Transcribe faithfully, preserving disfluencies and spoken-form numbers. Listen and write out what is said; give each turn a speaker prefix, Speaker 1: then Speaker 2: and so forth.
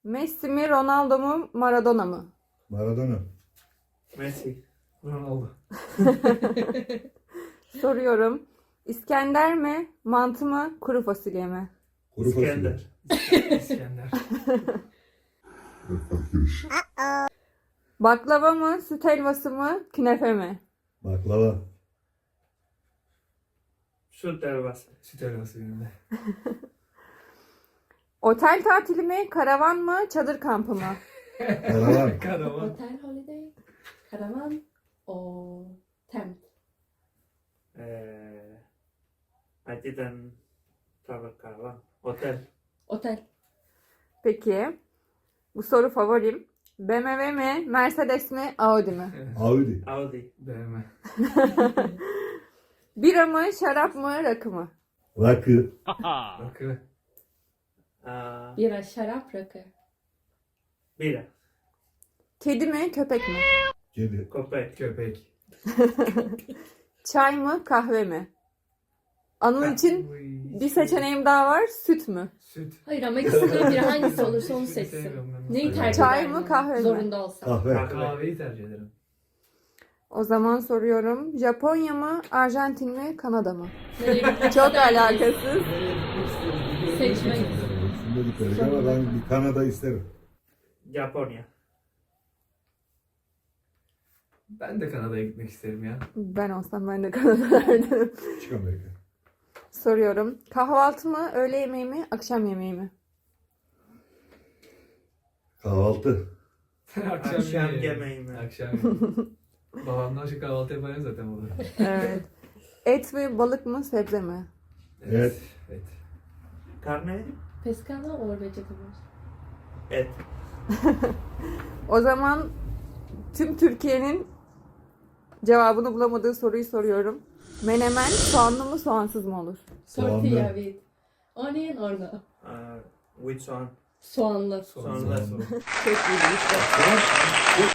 Speaker 1: Messi mi, Ronaldo mu, Maradona mı?
Speaker 2: Maradona.
Speaker 3: Messi.
Speaker 4: Ronaldo.
Speaker 1: Soruyorum. İskender mi, mantı mı, kuru fasulye mi?
Speaker 2: Kuru fasulye.
Speaker 3: İskender.
Speaker 4: İskender.
Speaker 1: Baklava mı, süt helvası mı, künefe mi?
Speaker 2: Baklava.
Speaker 3: Süt helvası.
Speaker 4: Süt helvası gününde.
Speaker 1: Otel tatili mi, karavan mı, çadır kampı mı?
Speaker 2: Karavan.
Speaker 4: Karavan.
Speaker 5: Hotel holiday, karavan o tent.
Speaker 3: Uh, I didn't travel caravan. Hotel.
Speaker 5: Otel.
Speaker 1: Peki. Bu soru favorim. B M W mi, Mercedes mi, Audi mi?
Speaker 2: Audi.
Speaker 3: Audi.
Speaker 4: B M.
Speaker 1: Bira mı, şarap mı, rakı mı?
Speaker 2: Rakı.
Speaker 4: Rakı.
Speaker 3: Uh,
Speaker 5: Bira, şarap, rakı.
Speaker 3: bira.
Speaker 1: Kedi mi, köpek mi?
Speaker 2: Kedi.
Speaker 3: Köpek.
Speaker 4: Köpek.
Speaker 1: Çay mı, kahve mi? Anıl için
Speaker 4: Uy,
Speaker 1: bir seçeneğim daha var. Süt mü?
Speaker 4: Süt.
Speaker 5: Hayır ama ikisinden biri hangisi olursa onu
Speaker 4: Hiçbirini
Speaker 5: seçsin.
Speaker 4: sevmiyorum ben.
Speaker 5: Neyi tercih
Speaker 1: Çay
Speaker 5: eder
Speaker 1: mı,
Speaker 5: yani?
Speaker 1: kahve mi?
Speaker 5: Zorunda olsa.
Speaker 2: Kahve.
Speaker 4: Kahveyi tercih ederim.
Speaker 1: O zaman soruyorum. Japonya mı, Arjantin mi, Kanada mı?
Speaker 5: Nereye gitmek
Speaker 1: Çok
Speaker 5: ister misin?
Speaker 1: alakasız.
Speaker 5: Seçmek.
Speaker 2: Şimdi dedikleri ama ben bir Kanada isterim.
Speaker 3: Japonya.
Speaker 4: Ben de Kanada'ya gitmek isterim ya.
Speaker 1: Ben olsam ben de Kanada derdim.
Speaker 2: Küçük Amerika.
Speaker 1: Soruyorum. Kahvaltı mı, öğle yemeği mi, akşam yemeği mi?
Speaker 2: Kahvaltı.
Speaker 3: Akşam yemeği mi?
Speaker 4: Akşam yemeği. Babamdan şu kahvaltı yapayım zaten burada.
Speaker 1: Evet. Et mi, balık mı, sebze mi?
Speaker 2: Evet.
Speaker 4: Evet.
Speaker 3: Carne.
Speaker 5: Pescado or vegetables?
Speaker 3: Et.
Speaker 1: O zaman tüm Türkiye'nin cevabını bulamadığı soruyu soruyorum. Menemen soğanlı mı, soğansız mı olur?
Speaker 5: Tortilla with onion or no?
Speaker 3: Uh, which one?
Speaker 5: Soğanlı.
Speaker 4: Sonra.
Speaker 3: Sonra.
Speaker 4: Sonra.
Speaker 1: Çok iyi bir işte.